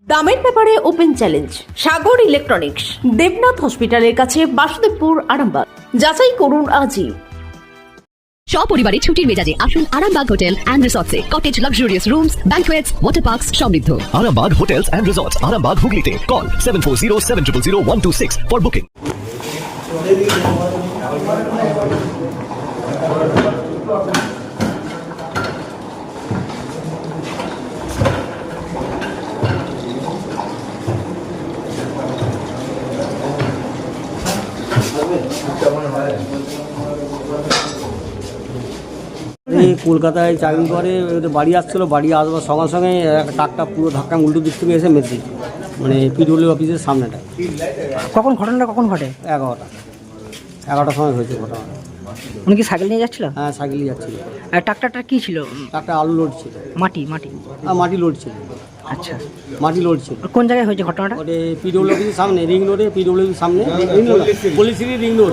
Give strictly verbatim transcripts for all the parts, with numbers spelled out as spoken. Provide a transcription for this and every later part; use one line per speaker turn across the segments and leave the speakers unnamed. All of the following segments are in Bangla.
দামের ব্যাপারে open challenge Sagar electronics, Debnath হসপিটালের কাছে, বাসুদেবপুর, আরামবাগ। যাচাই করুন আজই।
সপরিবারে ছুটির মেজাজে আসুন আরামবাগ হোটেল অ্যান্ড রিসর্টসে। Cottage, luxurious rooms, banquets, water parks সমৃদ্ধ।
Arambag Hotels and Resorts, Arambag Hooghly. Call seven four zero seven zero zero one two six for booking.
এই কলকাতায় চাকরি করে, বাড়ি আসছিল, বাড়ি আসবার সঙ্গে সঙ্গে একটা ট্রাকটা পুরো ধাক্কা উল্টো দিক থেকে এসে মেরে দিচ্ছে, মানে পিডব্লিউ অফিসের সামনেটা।
কখন ঘটনাটা কখন ঘটে?
এগারোটা এগারোটার সময় হয়েছে ঘটনা।
উনি কি সাইকেল নিয়ে যাচ্ছিল?
হ্যাঁ, সাইকেলে যাচ্ছিল।
আর ট্রাক্টরটা কি ছিল?
ট্রাকটা আলু লোড ছিল,
মাটি মাটি
আর মাটি লোড ছিল।
আচ্ছা,
মাটি লোড ছিল।
কোন জায়গায় হয়েছে ঘটনাটা?
ওটা পিডব্লিউ অফিসের সামনে, রিং রোডে, পিডব্লিউ অফিসের সামনে, পল্লিশ্রী রিং রোড,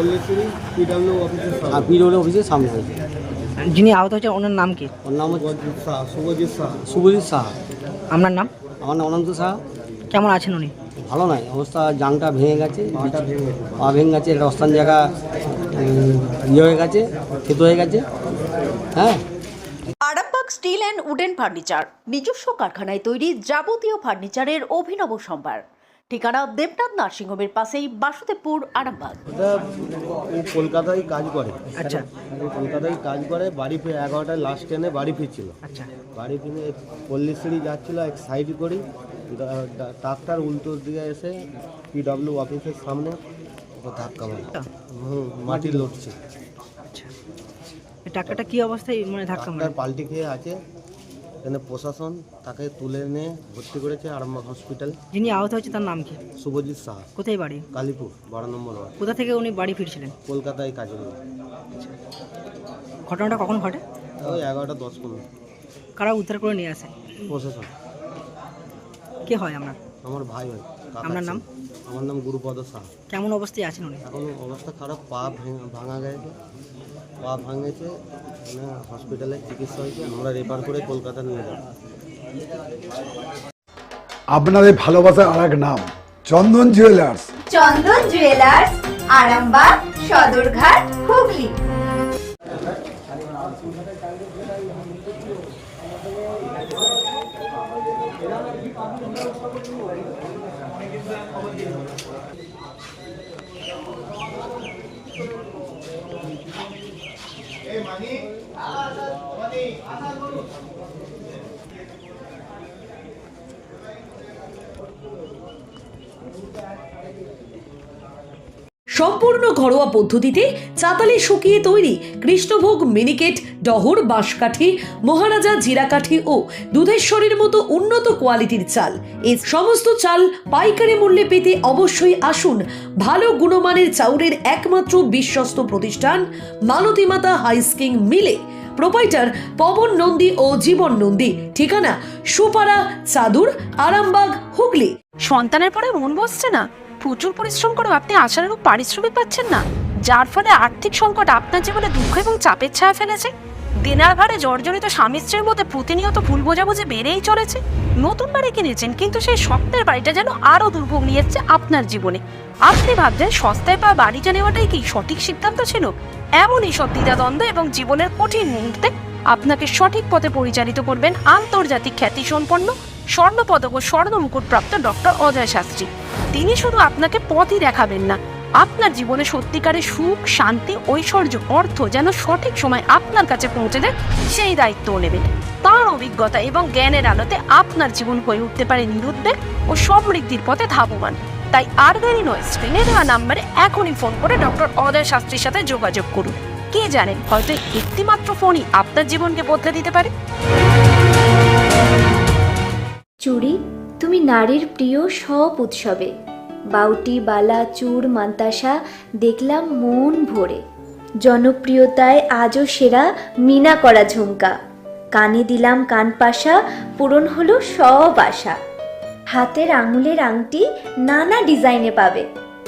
আর পিডব্লিউ অফিসের সামনে হয়েছে।
যিনি আহত হয়েছে ওনার নাম কি?
ওর নাম হচ্ছে শুভজিৎ সাহা। শুভজিৎ সাহা।
আপনার নাম?
আমার নাম অনন্ত সাহা।
কেমন আছেন উনি?
ভালো নয়, অবস্থা, জাংটা ভেঙে গেছে, পা ভেঙে গেছে, একটা অস্থান জায়গা ইয়ে হয়ে গেছে, ক্ষেত হয়ে গেছে। হ্যাঁ।
Arambagh steel and wooden furniture, নিজস্ব কারখানায় তৈরি যাবতীয় ফার্নিচারের অভিনব সম্ভার। ঠিকানা দেবনাথ নার্সিংহোমের পাশেই, বাসুদেবপুর, আরামবাগ।
এটা ও কলকাতায় কাজ করে।
আচ্ছা,
ও কলকাতায় কাজ করে, বাড়ি ফিরে এগারোটায় লাস্ট ট্রেনে বাড়ি ফিরছিল।
আচ্ছা,
বাড়ি ফিরে পল্লিশ্রী যাচ্ছিল, এক সাইড করি ট্রাক্টার উল্টো দিকে এসে পিডব্লিউ অফিসের সামনে ও ধাক্কা মারে। হুম, মাটি লড়ছে।
আচ্ছা, এই ট্রাক্টরটা কি অবস্থায় মানে ধাক্কা মারে?
ট্রাক্টার পাল্টি খেয়ে আছে। এখানে প্রশাসন তাকে তুলে নিয়ে ভর্তি করেছে আরামবাগ হসপিটাল।
যিনি আহত হয়েছে তার নাম কি?
শুভজিৎ সাহা।
কোথায় বাড়ি?
কালীপুর, বারো নম্বর ওয়ার্ড।
কোথা থেকে উনি বাড়ি ফিরছিলেন?
কলকাতায় কাজে করে।
ঘটনাটা কখন ঘটে?
ওই এগারোটা দশ পনেরো।
কারা উদ্ধার করে নিয়ে আসে?
প্রশাসন।
কে হয় আপনার?
আমার ভাই হয়। কাকা
আপনার
ছিল।
নাম?
আমার নাম গুরুপদ সাহা।
কেমন অবস্থায় আছেন উনি?
এখন অবস্থা খারাপ, পা ভেঙে- ভাঙা গেছে, পা ভাঙেছে, মানে হসপিটালে চিকিৎসা হয়েছে, আমরা রেফার করে কলকাতা নিয়ে যাব।
আপনাদের ভালোবাসার আর এক নাম চন্দন জুয়েলার্স।
চন্দন জুয়েলার্স, আরামবাগ, সদরঘাট, হুগলি।
সম্পূর্ণ ঘরোয়া পদ্ধতিতে চাতালে শুকিয়ে তৈরি কৃষ্ণভোগ, মিনিকেট, ডহর, বাঁশকাঠি, মহারাজা, জিরাকাঠি ও দুধেশ্বরীর মতো উন্নত কোয়ালিটির চাল। এই সমস্ত চাল পাইকারি মূল্যে পেতে অবশ্যই আসুন ভালো গুণমানের চাউলের একমাত্র বিশ্বস্ত প্রতিষ্ঠান মালতী মাতা হাইস্কিং মিলে। প্রোপাইটার পবন নন্দী ও জীবন নন্দী। ঠিকানা সুপারা, চাদুর, আরামবাগ, হুগলি।
সন্তানের পরে মন বসছে না, প্রচুর পরিশ্রম করেও আপনি আশানুরূপ পারিশ্রমিক পাচ্ছেন না, যার ফলে আর্থিক সংকট আপনার জীবনে দুঃখ এবং চাপের ছায়া ফেলেছে। দেনার ভারে জর্জরিত স্বামী স্ত্রীর মধ্যে প্রতিনিয়ত ভুল বোঝাবুঝি বেড়েই চলেছে। নতুন বাড়ি কিনেছেন, কিন্তু সেই স্বপ্নের বাড়িটা যেন আরও দুর্ভোগ নিয়ে এসছে আপনার জীবনে। আপনি ভাবছেন সস্তায় পাওয়া বাড়িটা নেওয়াটাই কি সঠিক সিদ্ধান্ত ছিল? এমনই সব দ্বিধাদ্বন্দ্ব এবং জীবনের কঠিন মুহূর্তে আপনাকে সঠিক পথে পরিচালিত করবেন আন্তর্জাতিক খ্যাতিসম্পন্ন স্বর্ণপদক ও স্বর্ণ মুকুটপ্রাপ্ত ডক্টর অজয় শাস্ত্রী। তিনি শুধু আপনাকে পথই দেখাবেন না, আপনার জীবনে সত্যিকারের সুখ, শান্তি, ঐশ্বর্য, অর্থ যেন সঠিক সময় আপনার কাছে পৌঁছে দেয় সেই দায়িত্বও নেবেন। তাঁর অভিজ্ঞতা এবং জ্ঞানের আলোতে আপনার জীবন হয়ে উঠতে পারে নিরুদ্বেগ ও সমৃদ্ধির পথে ধাবমান। তাই আর দেরি নয়, স্ক্রিনে দেওয়া নাম্বারে এখনই ফোন করে ডক্টর অজয় শাস্ত্রীর সাথে যোগাযোগ করুন। কে জানেন, হয়তো একটিমাত্র ফোনই আপনার জীবনকে বদলে দিতে পারে।
চুড়ি, তুমি নারীর প্রিয় সব উৎসবে। বাউটি, বালা, চূড়, মান্তাসা দেখলাম মন ভরে। জনপ্রিয়তায় আজও সেরা মিনা করা ঝুমকা। কানে দিলাম কানপাশা, পূরণ হলো সব আশা। হাতের আঙুলের আংটি নানা ডিজাইনে পাবে।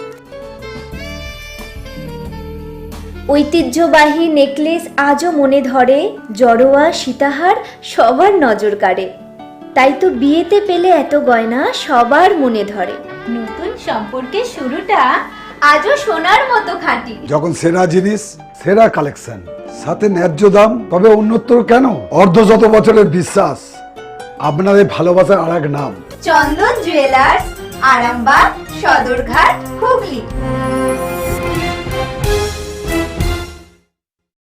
ঐতিহ্যবাহী নেকলেস আজও মনে ধরে। জড়োয়া, সীতাহার সবার নজর কাড়ে। তাই তো বিয়েতে পেলে এত গয়না সবার মনে ধরে।
নতুন সম্পর্কের শুরুটা আজও সোনার মতো খাঁটি।
যখন সেরা জিনিস, সেরা কালেকশন, সাথে ন্যায্য দাম, তবে উন্নতর কেন? অর্ধ শত বছরের বিশ্বাস, আপনাদের ভালোবাসার আর এক নাম।
চন্দন জুয়েলার্স, আরামবাগ, সদরঘাট, হুগলি।